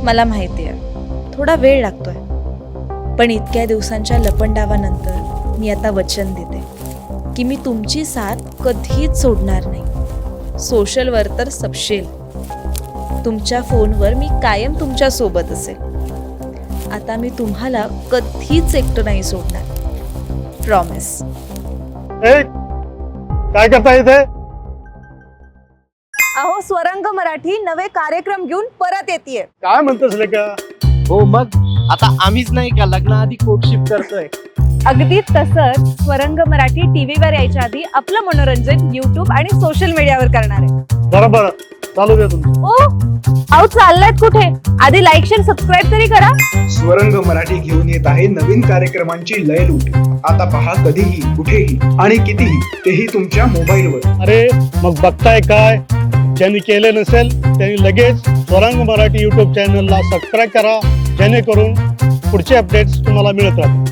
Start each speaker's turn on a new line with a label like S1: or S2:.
S1: मला माहिती आहे थोडा वेळ लागतोय, पण इतक्या दिवसांच्या लपंडावानंतर मी आता वचन देते की मी तुमची साथ कधीच सोडणार नाही. सोशलवर तर सबशेल, तुमच्या फोनवर मी कायम तुमच्या सोबत असेल. आता मी तुम्हाला कधीच एकटं नाही सोडणार, प्रॉमिस.
S2: काय करता इथे?
S3: अहो, स्वरंग मराठी नवे कार्यक्रम घेऊन परत येतेय.
S2: काय म्हणतोस लेका?
S4: हो मग आता आम्हीच नाही का लग्नाआधी कोर्टशिप करतोय.
S3: अगदी तसंच स्वरंग मराठी टीव्हीवर यायच्या आधी आपलं मनोरंजन YouTube आणि सोशल मीडियावर करणार आहे.
S2: बरोबर, चालू दे तुमचं.
S3: ओ अहो, चाललात कुठे? आधी लाईक शेअर सबस्क्राईब तरी करा.
S5: स्वरंग मराठी घेऊन येत आहे नवीन कार्यक्रमांची लयलूट. आता पहा कधीही, कुठेही आणि कितीही, तेही तुमच्या मोबाईलवर.
S2: अरे मग बघताय काय? ज्यांनी केले नसेल त्यांनी लगेच स्वरंग मराठी YouTube चॅनलला सबस्क्राईब करा, जेणेकरून पुढचे अपडेट्स तुम्हाला मिळत राहतील.